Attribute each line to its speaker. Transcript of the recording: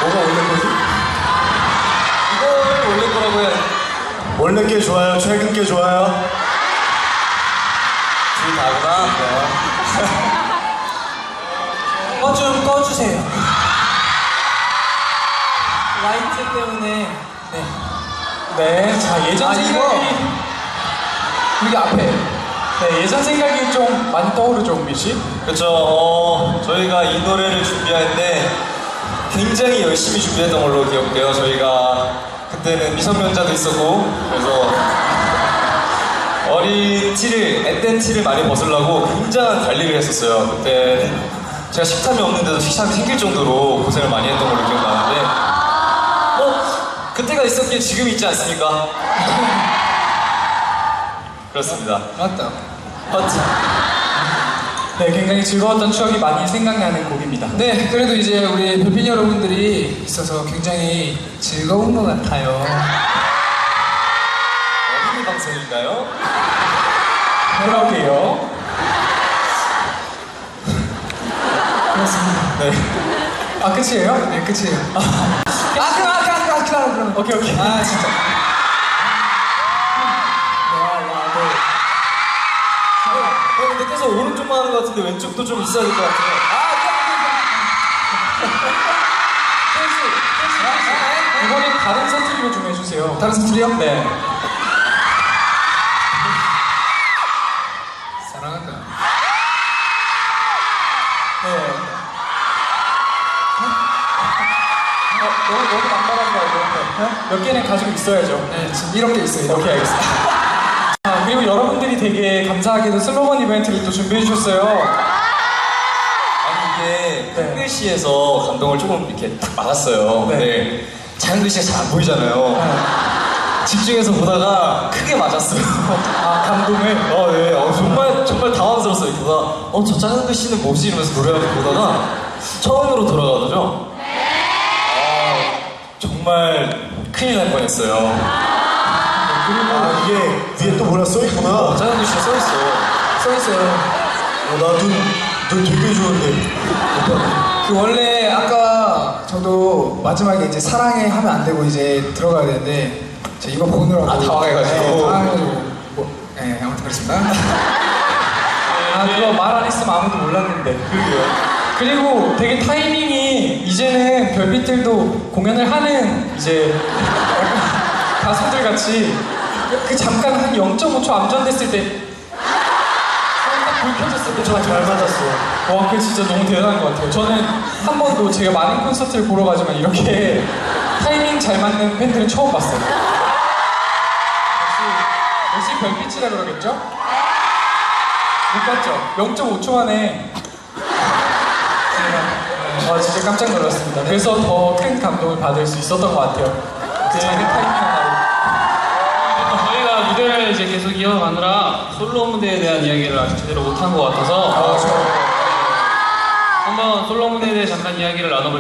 Speaker 1: 뭐가 원래 거지?
Speaker 2: 이거를 원래 거라고 해야지.
Speaker 1: 원래 게 좋아요? 최근 게 좋아요?
Speaker 2: 둘 다구나.
Speaker 3: 이거 좀 꺼주세요. 라이트 때문에. 네.
Speaker 4: 네, 자 예전
Speaker 3: 아,
Speaker 4: 생각이
Speaker 3: 여기 앞에.
Speaker 4: 네, 예전 생각이 좀 많이 떠오르죠, 은비 씨?
Speaker 2: 그렇죠. 저희가 이 노래를 준비할 때 굉장히 열심히 준비했던 걸로 기억돼요. 저희가 그때는 미성년자도 있었고 그래서 어린 티를, 앳된 티를 많이 벗으려고 굉장한 관리를 했었어요. 그때는 제가 식탐이 없는데도 식탐이 생길 정도로 고생을 많이 했던 걸로 기억나는데 그때가 있었기에 지금이 있지 않습니까? 그렇습니다.
Speaker 3: 맞다.
Speaker 2: 맞죠?
Speaker 4: 네, 굉장히 즐거웠던 추억이 많이 생각나는 곡입니다.
Speaker 3: 네, 그래도 이제 우리 별핀 여러분들이 있어서 굉장히 즐거운 것 같아요.
Speaker 2: 어린이 방송인가요?
Speaker 4: 그러게요.
Speaker 3: 그렇습니다.
Speaker 2: 네.
Speaker 4: 아, 끝이에요?
Speaker 3: 네, 끝이에요. 그럼.
Speaker 4: 오케이, 오케이.
Speaker 3: 아, 진짜.
Speaker 2: 근데 계속 오른쪽만 하는 것 같은데 왼쪽도 좀 있어야 될 것 같아요.
Speaker 4: 이번엔 다른 사투리로 좀 해주세요.
Speaker 3: 다른 사투리요?
Speaker 4: 네.
Speaker 3: 사랑한다.
Speaker 4: 네. 너무 남발한 거 아니에요? 몇 개는 가지고 있어야죠.
Speaker 3: 네, 지금 이런 게 있어요.
Speaker 4: 오케이, 알겠습니다. 아, 그리고 여러분들이 되게 감사하게도 슬로건 이벤트를 또 준비해 주셨어요.
Speaker 2: 아니 이게
Speaker 4: 네.
Speaker 2: 한글씨에서 감동을 조금 이렇게 딱 막았어요.
Speaker 4: 네.
Speaker 2: 근데 자연글씨가 잘 안 보이잖아요. 집중해서 보다가 크게 맞았어요.
Speaker 4: 아, 감동을.
Speaker 2: 네. 정말 당황스러웠어요. 이렇게 보다가 저 작은 글씨는 뭐지? 이러면서 노래를 보다가 처음으로 돌아가더죠. 정말 큰일 날 뻔했어요.
Speaker 1: 아, 이게 위에 또 뭐라 써있구나.
Speaker 2: 작은 글씨가 써있어.
Speaker 3: 써있어요.
Speaker 1: 나눈 되게 좋은데.
Speaker 3: 그 원래 아까 저도 마지막에 이제 사랑해 하면 안 되고 이제 들어가야 되는데 제가 이거 보느라고
Speaker 2: 당황해가지고.
Speaker 3: 네, 당황해가지고 네, 아무튼 그렇습니다.
Speaker 4: 아, 그거 말 안 했으면 아무도 몰랐는데. 그리고 되게 타이밍이 이제는 별빛들도 공연을 하는 이제 가수들 같이 그 잠깐 한 0.5초 암전됐을 때 불 켜졌을 때 저
Speaker 1: 잘 맞았어.
Speaker 4: 와, 그게 진짜 너무 대단한 것 같아요. 저는 한 번도 제가 많은 콘서트를 보러 가지만 이렇게 타이밍 잘 맞는 팬들은 처음 봤어요. 역시 별빛이라 그러겠죠? 못 봤죠? 0.5초 만에 제가 진짜 깜짝 놀랐습니다. 그래서 더 큰 감동을 받을 수 있었던 것 같아요. 그 작은 타이밍 하나로.
Speaker 5: 저희가 무대를 이제 계속 이어가느라 솔로 무대에 대한 이야기를 아직 제대로 못한 것 같아서 한번 솔로 무대에 대해 잠깐 이야기를 나눠볼게요.